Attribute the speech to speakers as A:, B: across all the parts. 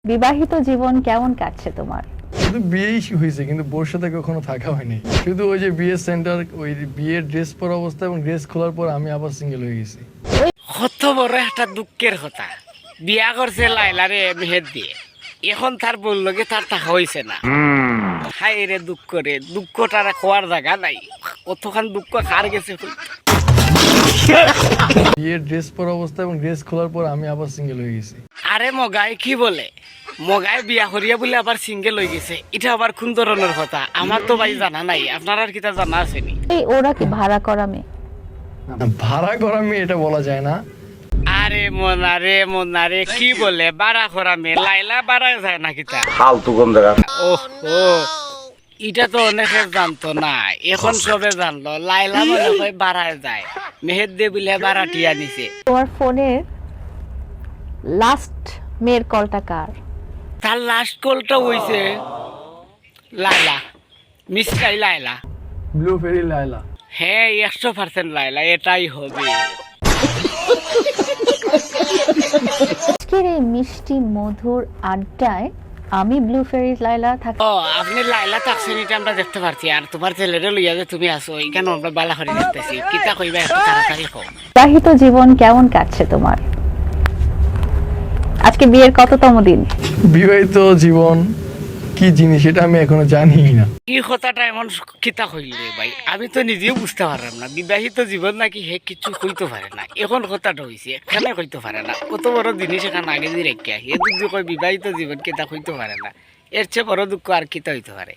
A: বিবাহিত জীবন কেমন কাটছে তোমার?
B: শুধু বিয়েই হয়েছে, কিন্তু বোর সাথে কখনো থাকা হয়নি। শুধু ওই যে বিয়ের সেন্টার, ওই বিয়ের ড্রেস পরা অবস্থা এবং ড্রেস খোলার পর আমি আবার সিঙ্গেল হয়ে গেছি।
C: কত বড় একটা দুঃখের কথা। বিয়া করছে লাইলারে মেহের দিয়ে, এখন তার বললকে তার টাকা হয়েছে না। হাই রে দুঃখ রে, দুঃখটার খোয়ার জায়গা নাই। কতখান দুঃখ কার গেছে।
B: বিয়ের ড্রেস পরা অবস্থা এবং ড্রেস খোলার পর আমি আবার সিঙ্গেল হয়ে গেছি।
C: আরে মগাই কি বলে, মগাই বিয়া করিয়া বলে আবার সিঙ্গেল হয়ে গেছে, এটা আবার কোন ধরনের কথা? আমার তো ভাই জানা নাই, আপনার আর কিটা জানা আসেনি?
A: এই ওরা কি ভাড়া করা মেয়ে?
B: ভাড়া করা মেয়ে এটা বলা যায় না।
C: আরে মোনারে কি বলে বাড়া করা মেয়ে? লাইলা বাড়া যায় না কিতা?
D: ফালতু কম দেখা।
C: ও এটা তো অনেকে জানতো না, এখন সবে জানলো। লাইলা মনে হয় বাড়ায় যায়, মেহের দে বলে বাড়াটিয়া নিছে।
A: তোমার ফোনের লাস্ট মেয়ের কলটা কার?
C: তার লাস্ট কলটা হইছে লাইলা, মিসকাই লাইলা।
B: ব্লু ফেরি লাইলা।
C: হ্যাঁ 100% লাইলা, এটাই হবে।
A: আজকের এই মিষ্টি মধুর আড্ডায় আমি ব্লু ফেরি লাইলা থাকি।
C: ও আপনি লাইলা থাকছেন, এটা আমরা দেখতে পারছি। আর তোমার ছেলেরে লইয়া যে তুমি আসো, এখানে আমরা বালা করে দেখতেছি। কিতা কইবা একটু তাড়াতাড়ি কম।
A: বিবাহিত জীবন কেমন কাটছে তোমার? আজকে বিয়ের কততম দিন?
B: বিবাহিত জীবন কি জিনিস এটা আমি এখনো জানি না।
C: কি কথাটা এমন কিতা কইল রে ভাই, আমি তো নিজেও বুঝতে পারলাম না। বিবাহিত জীবন নাকি হে কিছু কইতে পারে না, এখন কথাটা হইছে এখানে কইতে পারে না। কত বড় জিনিস এখানে আগে দিয়ে রেখে হে যদি কই বিবাহিত জীবন কিতা কইতে পারে না, এর চেয়ে বড় দুঃখ আর কিতা হইতে পারে?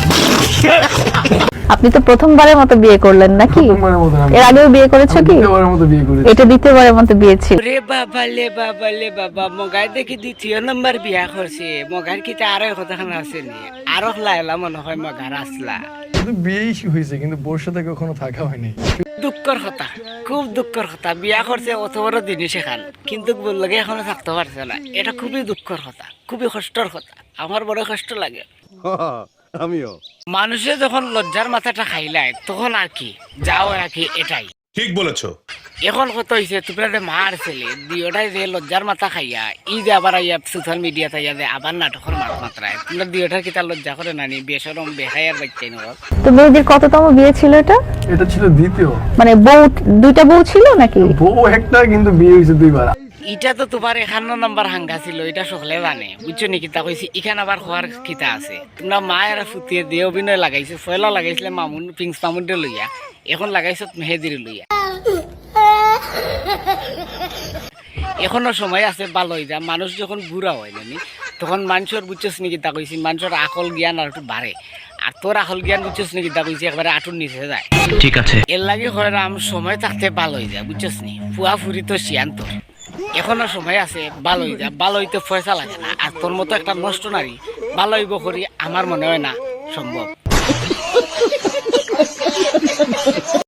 A: আপনি তো প্রথমবারের মতো বিয়ে করলেন নাকি?
B: প্রথমবারের মতো না।
A: এর আগেও বিয়ে করেছো কি?
B: দ্বিতীয়বারের মতো বিয়ে করেছি।
A: এটা দ্বিতীয়বারের মতো বিয়ে ছিল।
C: রে লে বাবা মগাই দেখি দ্বিতীয় নম্বর বিয়া করছে। মগার কিতা আরো কথাখান আছে নি? আরো লাইলা মনে হয় মগার আসলা।
B: শুধু বিয়েই হয়েছে, কিন্তু বোর সাথে কখনো থাকা হয়নি।
C: দুঃখের কথা, খুব দুঃখের কথা। বিয়া করছে অত বড় জিনিস এখান, কিন্তু বললকে এখনো থাকতে পারছে না। এটা খুবই দুঃখের কথা, খুবই কষ্টের কথা। আমার বড় কষ্ট লাগে।
D: আমিও।
C: মানুষে যখন লজ্জার মাথাটা খাইলায় তখন আর কি যাও আর কি, এটাই
E: ঠিক বলেছো।
C: এখন কত হয়েছে তোমরা যে মার ছেলে দিওটাই যে লজ্জার মাথা খাইয়া ই যে আবার আইয়া সোশ্যাল মিডিয়াতে আইয়া যে আবার নাটকের মাত্রায় তোমরা দিওটার কিতা লজ্জা করে নানি? বেসরম বেহায়ার বাচ্চাই নেব।
A: তো মেয়েদের কততম বিয়ে ছিল এটা?
B: এটা ছিল দ্বিতীয়।
A: মানে বউ, দুইটা বউ ছিল নাকি?
B: বউ একটা, কিন্তু বিয়ে হয়েছে দুইবার।
C: এটা তো তোমার 51 নম্বর হাঙ্গা ছিল, এটা সকলে জানে, বুঝছো নি? কিতা কইছি এখানে আবার হওয়ার কিতা আছে? তোমরা মায়ের ফুটিয়ে দিয়ে অভিনয় লাগাইছো। ফয়লা লাগাইছিলে মামুন পিংস মামুনটা লইয়া, এখন লাগাইছো মেহেদির লইয়া। এখনো সময় আছে, ভালো হয়ে যা। মানুষ যখন বুড়া হয় নানি তখন মানুষের বুঝছোস নাকি তা কইছি, মানুষের আকল জ্ঞান আর একটু বাড়ে। আর তোর আকল জ্ঞান বুঝছোস নাকি তা কইছি একবারে আটুর নিচে যায়। ঠিক আছে, এর লাগে হরাম সময় থাকতে ভালো হয়ে যায়, বুঝছোস নি? ফুয়া ফুরি তো শিয়ান তোর, এখনো সময় আছে, ভালো হয়ে যা। ভালো হইতে পয়সা লাগে না। আর তোর মতো একটা নষ্ট নারী ভালো হইব করি আমার মনে হয় না সম্ভব।